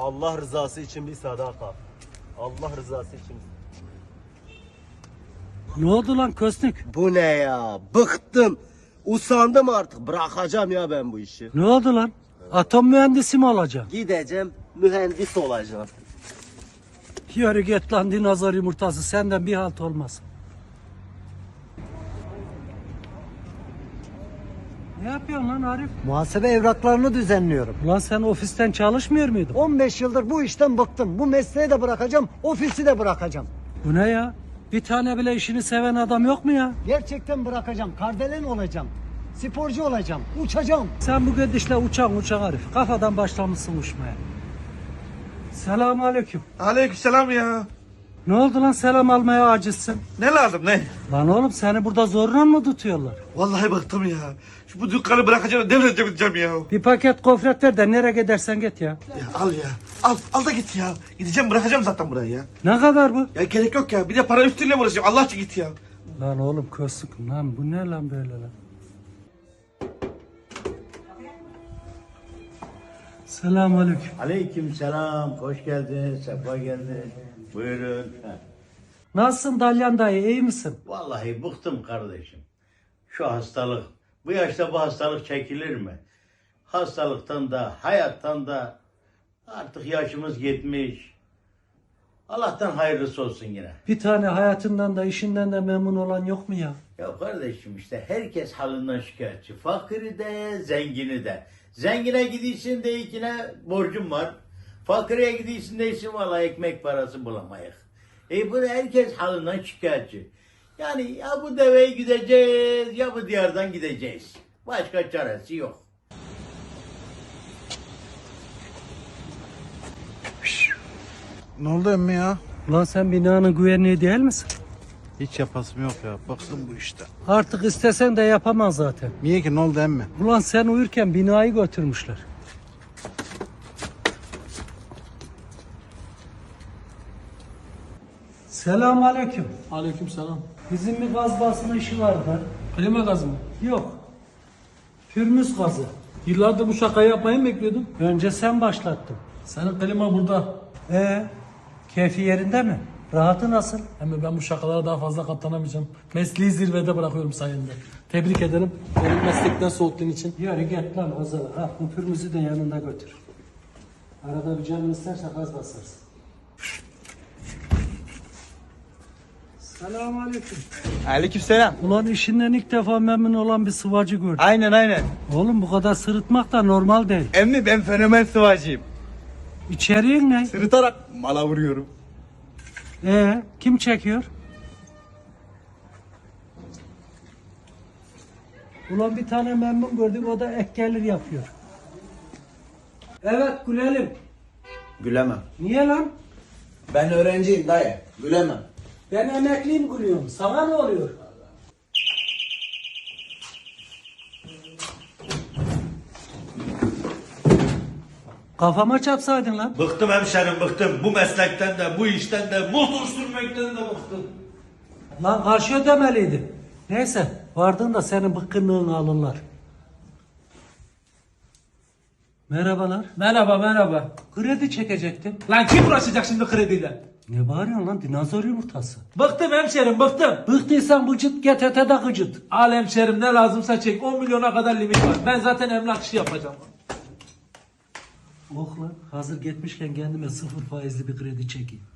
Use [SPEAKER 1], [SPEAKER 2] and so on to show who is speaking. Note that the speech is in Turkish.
[SPEAKER 1] Allah rızası için bir sadaka. Allah rızası için.
[SPEAKER 2] Ne oldu lan Köstük?
[SPEAKER 1] Bu ne ya? Bıktım. Usandım artık. Bırakacağım ya ben bu işi.
[SPEAKER 2] Ne oldu lan? Atom mühendisi mi olacaksın?
[SPEAKER 1] Gideceğim, mühendis olacağım.
[SPEAKER 2] Yürü git lan dinozor yumurtası, senden bir halt olmaz. Ne yapıyorsun lan Arif?
[SPEAKER 3] Muhasebe evraklarını düzenliyorum.
[SPEAKER 2] Ulan sen ofisten çalışmıyor muydun?
[SPEAKER 3] 15 yıldır bu işten bıktım. Bu mesleği de bırakacağım, ofisi de bırakacağım.
[SPEAKER 2] Bu ne ya? Bir tane bile işini seven adam yok mu ya?
[SPEAKER 3] Gerçekten bırakacağım. Kardelen olacağım. Sporcu olacağım. Uçacağım.
[SPEAKER 2] Sen bu gidişle uçak Arif. Kafadan başlamışsın uçmaya. Selamünaleyküm.
[SPEAKER 4] Aleykümselam ya.
[SPEAKER 2] Ne oldu lan selam almaya acizsin?
[SPEAKER 4] Ne lazım ne?
[SPEAKER 2] Lan oğlum seni burada zorla mı tutuyorlar?
[SPEAKER 4] Vallahi bıktım ya. Bu dükkanı bırakacağım, devredeceğim gideceğim ya.
[SPEAKER 2] Bir paket gofret ver de nereye gidersen git ya.
[SPEAKER 4] Ya al ya. Al da git ya. Gideceğim, bırakacağım zaten burayı ya.
[SPEAKER 2] Ne kadar bu?
[SPEAKER 4] Ya gerek yok ya. Bir de para üstüyle mi uğraşacağım? Allah için git ya.
[SPEAKER 2] Lan oğlum köstük lan bu ne lan böyle lan? Selamünaleyküm.
[SPEAKER 5] Aleykümselam, hoş geldin, sefa geldin. Buyurun. Heh.
[SPEAKER 2] Nasılsın Dalyan dayı, iyi misin?
[SPEAKER 5] Vallahi bıktım kardeşim. Şu hastalık, bu yaşta bu hastalık çekilir mi? Hastalıktan da, hayattan da artık yaşımız yetmiş. Allah'tan hayırlısı olsun yine.
[SPEAKER 2] Bir tane hayatından da işinden de memnun olan yok mu ya?
[SPEAKER 5] Ya kardeşim işte herkes halinden şikayetçi. Fakiri de, zengini de. Zengine gidiyorsun deyikine borcum var. Fakire gidiyorsun deysin valla ekmek parası bulamayız. Bu herkes halinden şikayetçi. Yani ya bu deveyi gideceğiz ya bu diyardan gideceğiz. Başka çaresi yok.
[SPEAKER 6] Ne oldu emmi ya?
[SPEAKER 2] Ulan sen binanın güvenliği değil misin?
[SPEAKER 6] Hiç yapasım yok ya. Bıktım bu işte.
[SPEAKER 2] Artık istesen de yapamaz zaten.
[SPEAKER 6] Niye ki ne oldu emmi?
[SPEAKER 2] Ulan sen uyurken binayı götürmüşler. Selamünaleyküm.
[SPEAKER 7] Aleykümselam.
[SPEAKER 2] Bizim bir gaz basma işi vardı.
[SPEAKER 7] Klima gazı mı?
[SPEAKER 2] Yok. Pürmüz gazı.
[SPEAKER 7] Yıllardır bu şakayı yapmayı mı bekliyordun?
[SPEAKER 2] Önce sen başlattın.
[SPEAKER 7] Senin klima burada.
[SPEAKER 2] Keyfi yerinde mi? Rahatı nasıl?
[SPEAKER 7] Ama ben bu şakalara daha fazla katlanamayacağım. Mesleği zirvede bırakıyorum sayende. Tebrik ederim. Benim meslekten soğuttuğun için.
[SPEAKER 2] Yürü git lan Ozan'a. Ha, bu pürmüzü de yanında götür. Arada bir canın isterse gaz basarsın. Selamünaleyküm.
[SPEAKER 8] Aleykümselam.
[SPEAKER 2] Ulan işinden ilk defa memnun olan bir sıvacı gördüm.
[SPEAKER 8] Aynen.
[SPEAKER 2] Oğlum bu kadar sırıtmak da normal değil.
[SPEAKER 8] Emmi ben fenomen sıvacıyım.
[SPEAKER 2] İçeriğin ne?
[SPEAKER 8] Sırıtarak mala vuruyorum.
[SPEAKER 2] Kim çekiyor? Ulan bir tane memnun gördük, o da ek gelir yapıyor. Evet gülelim.
[SPEAKER 8] Gülemem.
[SPEAKER 2] Niye lan?
[SPEAKER 8] Ben öğrenciyim dayı. Gülemem.
[SPEAKER 2] Ben emekliyim gülüyorum. Sana ne oluyor? Kafama çarpsaydın lan.
[SPEAKER 4] Bıktım hemşerim, bıktım. Bu meslekten de, bu işten de, motor sürmekten de bıktım.
[SPEAKER 2] Lan karşı ödemeliydin. Neyse vardığında senin bıkkınlığını alırlar. Merhabalar.
[SPEAKER 7] Merhaba.
[SPEAKER 2] Kredi çekecektim.
[SPEAKER 7] Lan kim uğraşacak şimdi krediyle?
[SPEAKER 2] Ne bağırıyorsun lan, dinozor yumurtası?
[SPEAKER 7] Bıktım hemşerim bıktım.
[SPEAKER 2] Bıktıysan bıcıt GTT'de gıcıt.
[SPEAKER 7] Al hemşerim ne lazımsa çek. 10 milyona kadar limit var. Ben zaten emlak işi yapacağım.
[SPEAKER 2] Oh lan hazır gitmişken kendime 0 faizli bir kredi çekeyim.